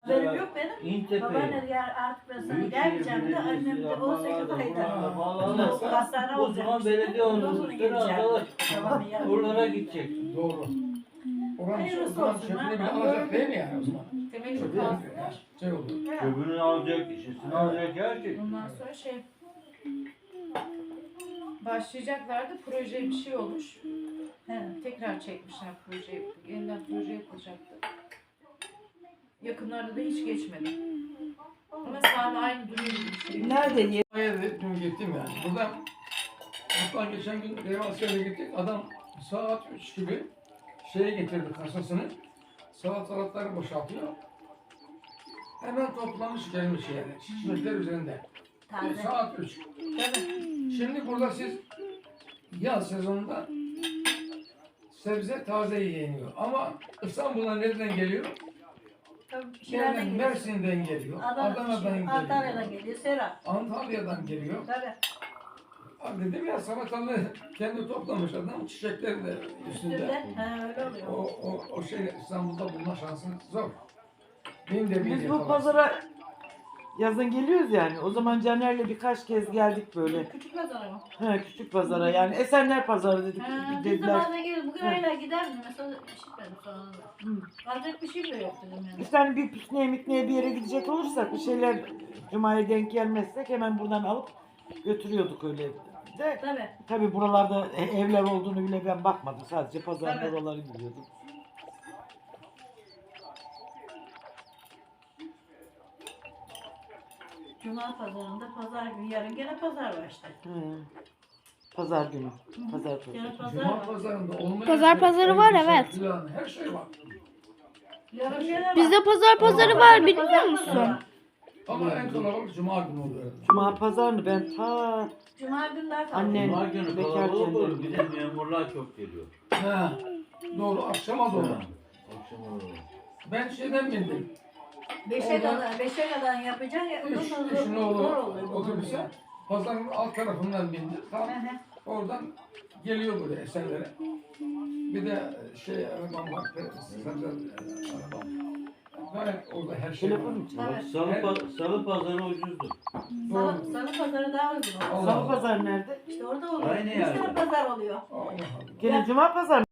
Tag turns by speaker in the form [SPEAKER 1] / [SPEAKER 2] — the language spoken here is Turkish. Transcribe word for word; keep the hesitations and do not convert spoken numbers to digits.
[SPEAKER 1] Benim yok benim.
[SPEAKER 2] İntepe.
[SPEAKER 1] Babaanne gel artık ben sana
[SPEAKER 2] Büyükşehir
[SPEAKER 1] gelmeyeceğim de annem de
[SPEAKER 2] Belediyesi
[SPEAKER 1] on sekiz
[SPEAKER 2] yapmalarda,
[SPEAKER 1] ayda.
[SPEAKER 2] buralarda bağlanırsa,
[SPEAKER 1] Hastane
[SPEAKER 2] o
[SPEAKER 1] olacak.
[SPEAKER 2] zaman belediye otobüsleri azalır. Buralara gidecek.
[SPEAKER 3] Doğru. Oranın
[SPEAKER 1] Hayırlısı
[SPEAKER 3] o zaman
[SPEAKER 1] olsun,
[SPEAKER 3] çöpünü
[SPEAKER 1] ha.
[SPEAKER 3] bile alacak değil mi yani o zaman?
[SPEAKER 4] Temeli
[SPEAKER 3] Çöpü
[SPEAKER 4] kazdılar.
[SPEAKER 3] şey oldu.
[SPEAKER 2] Köbünü alacak, işisini alacak, her şey.
[SPEAKER 4] Ondan sonra şey başlayacaklardı. Proje bir şey olmuş.
[SPEAKER 1] He.
[SPEAKER 4] Tekrar çekmişler projeyi. Yeniden proje yapılacaktı. Yakınlarda da hiç geçmedi. Ama Sami aynı duruyor bir şey.
[SPEAKER 5] Nerede ye?
[SPEAKER 3] Hayır, dün gittim yani. Burada hatta geçen gün Devasiya'ya gittik. Adam saat üç gibi şeye getirdi kasasını. Salatalıkları boşaltıyor. Hemen toplamış gelmiş yani. Çiçekler üzerinde.
[SPEAKER 1] Taze.
[SPEAKER 3] Saat üç.
[SPEAKER 1] Tabii.
[SPEAKER 3] Şimdi burada siz yaz sezonunda sebze taze yeniyor. Ama İstanbul'a nereden geliyor?
[SPEAKER 1] Tabii, şeylerden
[SPEAKER 3] Nereden?
[SPEAKER 1] geliyor.
[SPEAKER 3] Mersin'den geliyor.
[SPEAKER 1] Adana,
[SPEAKER 3] Adana'dan geliyor.
[SPEAKER 1] Antalya'dan geliyor. Serap.
[SPEAKER 3] Antalya'dan geliyor.
[SPEAKER 1] Tabii.
[SPEAKER 3] Abi dedim ya salatalı kendi toplamış adam çiçekleri de üstünde.
[SPEAKER 1] Üstünde. He öyle oluyor.
[SPEAKER 3] O, o, o şey İstanbul'da bulma şansın zor. Bin de bin
[SPEAKER 5] Biz bu
[SPEAKER 3] yakalar.
[SPEAKER 5] pazara yazın geliyoruz yani. O zaman Caner'le birkaç kez geldik böyle.
[SPEAKER 1] Küçük pazara mı?
[SPEAKER 5] He, küçük pazara yani Esenler Pazarı dedik
[SPEAKER 1] Ha, biz de
[SPEAKER 5] dediler.
[SPEAKER 1] bazen geliyoruz. Bugün
[SPEAKER 5] Hı.
[SPEAKER 1] hala gider mi? Mesela işitmedim sonra da.
[SPEAKER 5] Hı.
[SPEAKER 1] Alacak bir şey bile yok dedim yani.
[SPEAKER 5] İşte hani bir pikniğe mikniğe bir yere gidecek olursak bir şeyler Cuma'ya denk gelmezsek hemen buradan alıp götürüyorduk öyle de.
[SPEAKER 1] Tabii.
[SPEAKER 5] Tabii buralarda e- evler olduğunu bile ben bakmadım. Sadece pazar
[SPEAKER 1] Tabii.
[SPEAKER 5] oraları biliyordum.
[SPEAKER 1] Cuma pazarında pazar günü. Yarın gene pazar var işte.
[SPEAKER 5] Hı. Pazar günü. Pazar
[SPEAKER 1] Gene
[SPEAKER 5] pazarı.
[SPEAKER 1] pazar
[SPEAKER 3] Cuma
[SPEAKER 1] var.
[SPEAKER 3] pazarında olmayan
[SPEAKER 6] Pazar
[SPEAKER 3] şey,
[SPEAKER 6] pazarı var,
[SPEAKER 3] elbise,
[SPEAKER 6] evet.
[SPEAKER 3] filan, her şey var.
[SPEAKER 1] Yarın gene var.
[SPEAKER 6] Bizde pazar pazarı
[SPEAKER 1] Pazar-
[SPEAKER 6] var biliyor
[SPEAKER 1] pazar
[SPEAKER 6] musun?
[SPEAKER 1] pazarı var.
[SPEAKER 3] Ama en kalabalık Cuma günü oluyor.
[SPEAKER 5] Cuma pazarını ben ta
[SPEAKER 1] Cuma günler
[SPEAKER 5] Anne-
[SPEAKER 2] Cuma günü
[SPEAKER 5] Bekar
[SPEAKER 2] kalabalık olur.
[SPEAKER 5] kendileri.
[SPEAKER 2] Bir de memurlar çok geliyor.
[SPEAKER 3] He. Doğru akşama doğru.
[SPEAKER 2] Akşam olur.
[SPEAKER 3] Ben şeyden bindim.
[SPEAKER 1] Beşe
[SPEAKER 3] Oradan-
[SPEAKER 1] kadar, beşe kadar yapacak. ya,
[SPEAKER 3] Üç,
[SPEAKER 1] ondan
[SPEAKER 3] üç
[SPEAKER 1] sonra
[SPEAKER 3] nolu
[SPEAKER 1] zor oluyor.
[SPEAKER 3] otobüse pazarın alt tarafından bindim. Tam
[SPEAKER 1] Hı hı.
[SPEAKER 3] oradan geliyor buraya Esenler'e. Bir de şey arabam var. Sebze arabam. Gayet orada her şey
[SPEAKER 5] telefon
[SPEAKER 3] var.
[SPEAKER 5] mu çalıyor?
[SPEAKER 2] Bak,
[SPEAKER 1] Evet.
[SPEAKER 2] salı, pa- salı pazarı ucuzdur.
[SPEAKER 1] Salı, salı pazarı daha uygun oluyor.
[SPEAKER 3] Allah
[SPEAKER 5] Salı
[SPEAKER 3] Allah.
[SPEAKER 5] pazarı nerede?
[SPEAKER 1] İşte orada oluyor.
[SPEAKER 2] Aynı
[SPEAKER 1] Üç
[SPEAKER 2] yerde.
[SPEAKER 1] tane pazar oluyor.
[SPEAKER 3] Allah Allah.
[SPEAKER 5] Gene Cuma pazarı.